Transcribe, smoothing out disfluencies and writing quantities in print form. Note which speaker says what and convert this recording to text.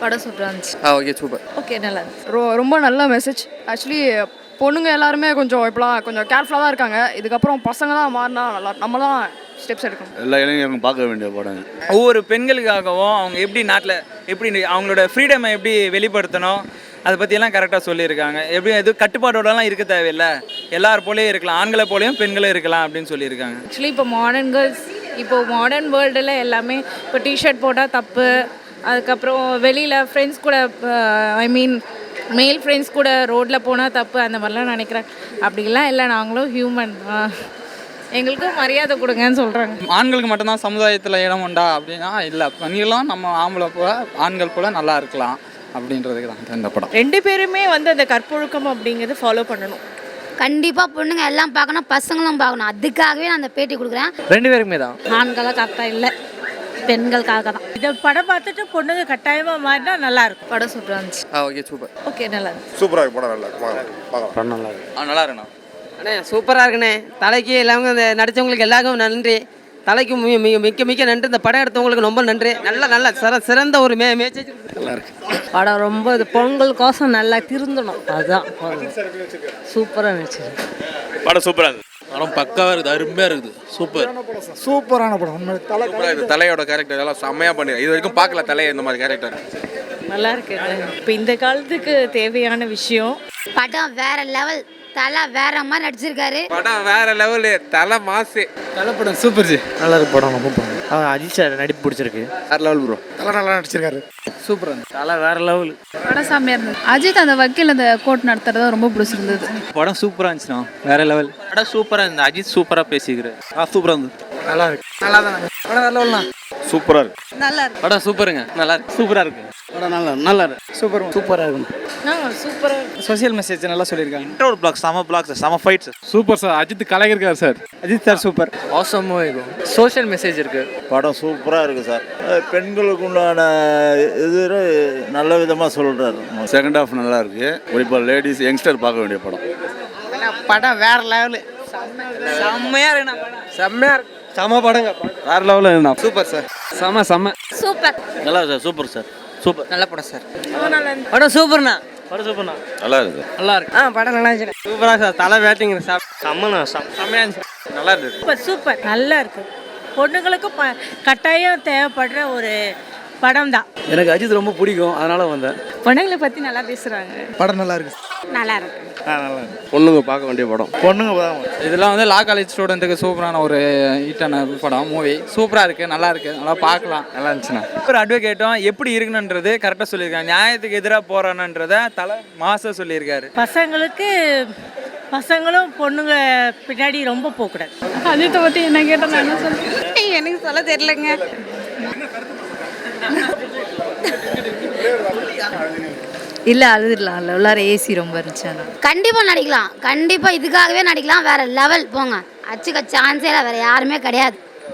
Speaker 1: படம் சூப்பராக இருந்துச்சு.
Speaker 2: Okay super.
Speaker 1: ஓகே நல்லா இருந்துச்சு.
Speaker 3: ரொம்ப நல்ல மெசேஜ். ஆக்சுவலி பொண்ணுங்க எல்லாருமே கொஞ்சம் இப்போலாம் கொஞ்சம் கேர்ஃபுல்லாக தான் இருக்காங்க. இதுக்கப்புறம் பசங்க தான் மாறினா நல்லா, நம்ம தான் ஸ்டெப்ஸ் எடுக்கணும்.
Speaker 4: எல்லா இளைஞர்களும் பார்க்க வேண்டிய படம்.
Speaker 5: ஒவ்வொரு பெண்களுக்காகவும் அவங்க எப்படி நாட்டில் எப்படி அவங்களோட ஃப்ரீடமை எப்படி வெளிப்படுத்தணும் அதை பற்றியெல்லாம் கரெக்டாக சொல்லியிருக்காங்க. எப்படி எதுவும் கட்டுப்பாடோடலாம் இருக்க தேவையில்லை, எல்லார் போலேயும் இருக்கலாம், ஆண்களை போலேயும் பெண்களும் இருக்கலாம் அப்படின்னு சொல்லியிருக்காங்க.
Speaker 6: ஆக்சுவலி இப்போ மாடர்ன் கேர்ள்ஸ், இப்போது மாடர்ன் வேர்ல்டில் எல்லாமே இப்போ டிஷர்ட் போட்டால் தப்பு, அதுக்கப்புறம் வெளியில் ஃப்ரெண்ட்ஸ் கூட மேல் ஃப்ரெண்ட்ஸ் கூட ரோட்டில் போனால் தப்பு, அந்த மாதிரிலாம் நினைக்கிறேன். அப்படிலாம் இல்லை, நாங்களும் ஹியூமன், எங்களுக்கும் மரியாதை கொடுங்கன்னு சொல்கிறாங்க.
Speaker 2: ஆண்களுக்கு மட்டும்தான் சமுதாயத்தில் இடம் உண்டா அப்படின்னா இல்லை, பெண்களும் நம்ம ஆம்பளை போல ஆண்கள் போல நல்லா இருக்கலாம் அப்படின்றதுக்கு தான் இந்த படம்.
Speaker 7: ரெண்டு பேருமே வந்து அந்த கற்பொழுக்கம் அப்படிங்கிறது ஃபாலோ பண்ணணும்.
Speaker 8: கண்டிப்பாக பொண்ணுங்க எல்லாம் பார்க்கணும், பசங்களும் பார்க்கணும். அதுக்காகவே நான் அந்த பேட்டி கொடுக்குறேன்.
Speaker 2: ரெண்டு பேருக்குமே தான்.
Speaker 8: ஆண்களாக கரெக்டாக இல்லை, பெண்களுக்காக தான்.
Speaker 7: இதை படம் பார்த்துட்டு பொண்ணுங்க கட்டாயமாக மாறினா நல்லா இருக்கும்.
Speaker 1: படம் சூப்பராக இருந்துச்சு.
Speaker 2: Okay super.
Speaker 1: ஓகே நல்லா இருந்துச்சு.
Speaker 4: சூப்பராக இருக்கு படம். நல்லா இருக்கு படம். நல்லா இருக்கு.
Speaker 2: நல்லா இருக்குண்ணா.
Speaker 9: அண்ணே சூப்பராக இருக்குண்ணே. தலைக்கு எல்லாமே இந்த நடித்தவங்களுக்கு எல்லாருக்கும் நன்றி. தலைக்கு மிக்க மிக்க நன்றி. இந்த படம் எடுத்தவங்களுக்கு ரொம்ப நன்றி. நல்ல சிறந்த ஒரு மேட்ச்.
Speaker 2: நல்லா இருக்கு
Speaker 9: படம். ரொம்ப இது பொங்கலுக்கோசம் நல்லா திருந்தணும், அதுதான். சூப்பராக இருந்துச்சு
Speaker 4: படம். சூப்பராக இருக்கு
Speaker 10: படம். பக்காவாக இருக்குது, அருமையாக இருக்குது.
Speaker 11: சூப்பரான படம்.
Speaker 4: சூப்பராக இருக்குது. தலையோட கேரக்டர் எல்லாம் செம்மையாக பண்ணி இது வரைக்கும் பார்க்கல தலையை இந்த மாதிரி கேரக்டர்.
Speaker 7: நல்லா இருக்கு. இப்போ இந்த காலத்துக்கு தேவையான விஷயம்.
Speaker 8: படம் வேற லெவல், தலை வேற மாதிரி நடிச்சிருக்காரு.
Speaker 2: படம் வேற லெவலு, தலை மாசு.
Speaker 11: தலை படம் சூப்பர் ஜி.
Speaker 10: நல்லா இருக்கு படம், ரொம்ப படம். அஜித் சார் நடிப்பு பிடிச்சிருக்கு.
Speaker 4: வேற லெவல் ப்ரோ.
Speaker 11: தலை நல்லா நடிச்சிருக்காரு.
Speaker 2: சூப்பராக இருந்துச்சு.
Speaker 10: தலை வேற லெவல்.
Speaker 3: படம் செம்மையாக இருந்தது. அஜித் அந்த வக்கீல் அந்த கோர்ட் நடத்துறது ரொம்ப பிடிச்சிருந்தது.
Speaker 10: படம் சூப்பராக இருந்துச்சுண்ணா, வேற லெவல். படம் சூப்பராக இருந்தது. அஜித் சூப்பராக பேசிக்கிறார். சூப்பராக இருந்தது.
Speaker 11: நல்லா இருக்கு.
Speaker 2: நல்லா தானே படம் வேற லெவல்ண்ணா.
Speaker 4: சூப்பராக இருக்கு.
Speaker 7: நல்லா இருக்கு.
Speaker 10: படம் சூப்பருங்க, நல்லா இருக்கு. சூப்பராக இருக்கு
Speaker 11: படம். நல்லா இருக்கு. சூப்பராக இருக்கும்.
Speaker 7: சூப்பராக
Speaker 2: சோசியல் மெசேஜ் நல்லா சொல்லியிருக்காங்க.
Speaker 10: இன்ட்ரோல் பிளாக் செம fight sir.
Speaker 11: Super sir. Ajith கலைஞர் சார்.
Speaker 2: Ajith sir super. ஆசமாக இருக்கும். சோஷியல் மெசேஜ் இருக்கு.
Speaker 4: படம் சூப்பராக இருக்குது சார். பெண்களுக்கு உண்டான இது நல்ல விதமாக சொல்கிறாரு. செகண்ட் ஹாஃப் நல்லா இருக்குது. குறிப்பாக லேடிஸ் யங்ஸ்டர் பார்க்க வேண்டிய படம்.
Speaker 9: படம் வேற லெவலு. செம்மையாக இருக்குண்ணா.
Speaker 2: செம்மையாக இருக்கு.
Speaker 10: செம படங்க.
Speaker 2: வேற லெவலில் இருந்தா. Super sir. செம்ம
Speaker 8: சூப்பர்.
Speaker 10: நல்லா சார். Super sir. சூப்பர்.
Speaker 9: நல்ல படம் சார். படம் சூப்பர்ண்ணா.
Speaker 10: படம் சூப்பர்ண்ணா.
Speaker 4: நல்லா இருக்குது.
Speaker 2: நல்லா இருக்கு.
Speaker 9: படம் நல்லா இருந்துச்சு. சூப்பராக சார். தலை பேட்டிங் செம்மண்ணா.
Speaker 2: செம்மையாக இருந்துச்சு. நல்லா இருந்தது.
Speaker 7: சூப்பர் நல்லா இருக்கு. பொண்ணுங்களுக்கும் கட்டாயம் தேவைப்படுற ஒரு படம் தான்.
Speaker 2: எனக்கு அஜித் ரொம்ப பிடிக்கும், அதனால வந்தேன்.
Speaker 6: பொண்ணுங்களை பற்றி நல்லா பேசுகிறாங்க.
Speaker 11: படம் நல்லா இருக்கு.
Speaker 8: நல்லா இருக்கு.
Speaker 11: நல்லா இருக்கு.
Speaker 4: பொண்ணுங்க பார்க்க வேண்டிய படம்.
Speaker 11: பொண்ணுங்க
Speaker 2: இதெல்லாம் வந்து லா காலேஜ் ஸ்டூடெண்ட்டுக்கு சூப்பரான ஒரு ஹிட்டான படம், மூவி. சூப்பராக இருக்குது, நல்லா இருக்குது, நல்லா பார்க்கலாம். நல்லா இருந்துச்சுண்ணா.
Speaker 5: ஒரு அட்வொகேட்டும் எப்படி இருக்கணுன்றது கரெக்டாக சொல்லியிருக்காங்க. நியாயத்துக்கு எதிராக போகிறானன்றதை தலை மாச சொல்லியிருக்காரு.
Speaker 7: பசங்களும் பொண்ணுங்க பின்னாடி ரொம்ப போகக்கூடாது.
Speaker 3: அஜித்தை பற்றி என்ன கேட்டால் நான் என்ன சொல்றேன்?
Speaker 6: எனக்கு சொல்ல தெரியலங்க.
Speaker 1: இல்லை அழுதுடலாம். உள்ளார ஏசி ரொம்ப இருந்துச்சு.
Speaker 8: கண்டிப்பாக நடிக்கலாம். கண்டிப்பாக இதுக்காகவே நடிக்கலாம். வேற லெவல் போங்க. அச்சுக்க சான்ஸே இல்லை, வேற யாருமே கிடையாது.